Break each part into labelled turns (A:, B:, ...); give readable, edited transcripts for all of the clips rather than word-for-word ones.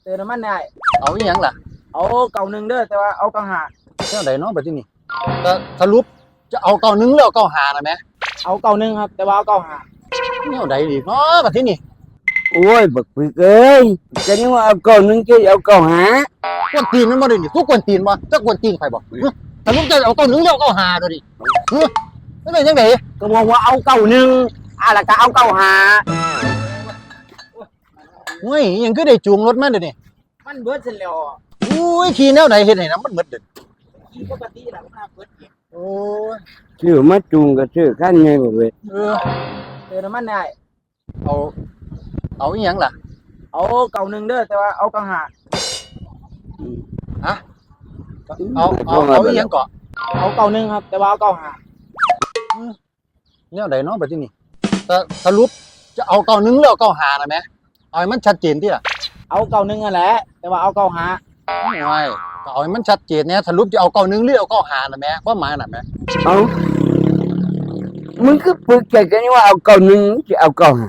A: เติมน้ำมันได้
B: เอาอีหยังล่ะ
A: เอาเก่าหนึ่งเด้อแต่ว่าเอาเก่าหา
B: เท่าใดเนาะบัดนี้ก็สรุปจะเอาเก่าหนึงหรือเอาเก่าหาน่ะแม่
A: เอาเก่าหนึ่งครับแต่ว่าเอาเก่าหา
B: แนวใดอีกเนาะบัดนี้
C: โอ้ยบักปึกเอ้ยจะนี่ว่าเอาเก่าหนึงจะเอาเก่าหาก
B: วนตีนมันบ่ได้นี่ทุกกวนตีนบ่จักกวนตีนใครบ่สรุปจะเอาเก่าหนึงหรือเอาเก่าหาเด้อดิมันเป็นจังได๋
A: ก็บอกว่าเอาเก่าหนึ่งแล้วก็เอาเก่าหา
B: เฮ้ยอิหยังคือได้จูงรถมาเด้อนี่
A: มันเบิดเสร็จแล้ว
B: อุ้ยขี่แนวใดเฮ็ดให้น้ำมันหมดเด้อ
A: ขี่ปกติแหละมันเบิดเอง
B: โอ้ย
C: ชื่อมาจูงก็ชื่อขั้นไงบ่เว้ย
A: เติมน้ำมันได้
B: เอาเอาอีหยังล่ะ
A: เอาเก่าหนึ่งเด้อแต่ว่าเอาเก่าหา
B: ฮะเอาอีหยังเกาะ
A: เอาเก่าหนึ่งครับแต่ว่าเอาเก่าหา
B: แนวใดเนาะบัดนี้แต่สรุปจะเอาเก่าหนึงหรือเอาเก่าหาน่ะแม่เอาให้มันชัดเจนติล่ะ
A: เอาเก่าหนึ่งนั่นแหละแต่ว่าเอาเก่าหา
B: ไม่ก็เอาให้มันชัดเจนเนี่ยสรุปจะเอาเก่าหนึงหรือเอาเก่าหาน่ะแม่ความหมายน่ะแม่
C: เอามึงก็ปึกใจจะนี่ว่าเอาเก่าหนึงจะเอาเก่าหา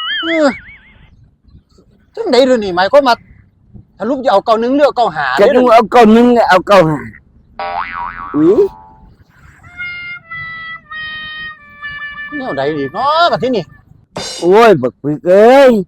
B: จังได๋เด้อนี่หมายความว่าสรุปจะเอาเก่าหนึงหรือเอาเก่าหา
C: จะนี่ว่าเอาเก่าหนึงก็เอาเก่าหาอุ้ย
B: แนวใดอีกเนาะบัดนี้
C: โอ้ยบักปึกเอ้ย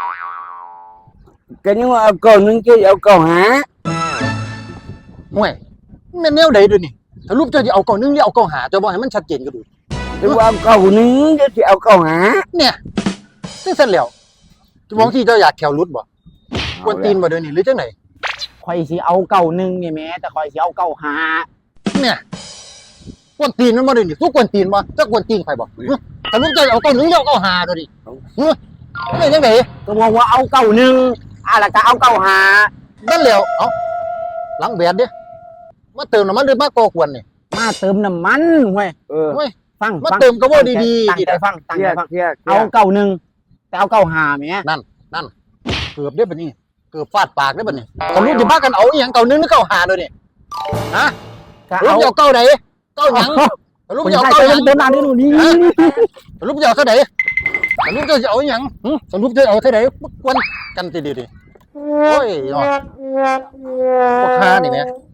C: จะนี่ว่าเอาเก่าหนึงจะเอาเก่าหา
B: ห่วยแม่นแนวใดเด้อนี่สรุปจะเอาเก่าหนึงหรือเอาเก่าหาจะบ่ให้มันชัดเจนก็ดู
C: จะว่าเอาเก่าหนึงจะเอาเก่าหา
B: เนี่ยจังซั่นแล้วจะมองที่เจ้าอยากแขวรุดบ่กวนตีนบ่เด้อนี่หรือจังได๋
A: ข่อยสิเอาเก่าหนึ่งนี่แม่แต่ข่อยสิเอาเก่าหา
B: เนี่ยกวนตีนมันบ่ได้นี่ทุกกวนตีนบ่จักกวนตีนใครบ่สรุปจะเอาเก่าหนึงหรือเอาเก่าหาเด้อดิมันเป็นจังได๋
A: ก็บอกว่าเอาเก่าหนึ่งแล้วก็เอาเก่าหา
B: นั่นแล้วเอ้าหลังแบดเด้มาเติมน้ำมันหรือมาก่อกวนนี่
A: มาเติมน้ำมันเว้ย
B: เว้ย
A: ฟัง
B: มาเติมก็บ่ดีๆ
A: ตั้งใจฟังเอา
C: เอา
A: เก่าหนึ่งแต่เอาเก่าหาแม่
B: นั่นเกือบได้บัดนี้เกือบฟาดปากได้บัดนี้สรุปสิพากันเอาอีหยังเก่าหนึงหรือเก่าหาเด้อนี่ฮะสรุปจะเอาเก่าใดเก่าหยังสรุปจะเอาเก่าหยัง
A: เติมน้ำนี่หนูนี่
B: สรุปจะเอาเท่าใดสรุปจะเอาอีหยังสรุปจะเอาเท่าใดกวนกันติดิโอ้ยเนาะบ่ค่านี่แหม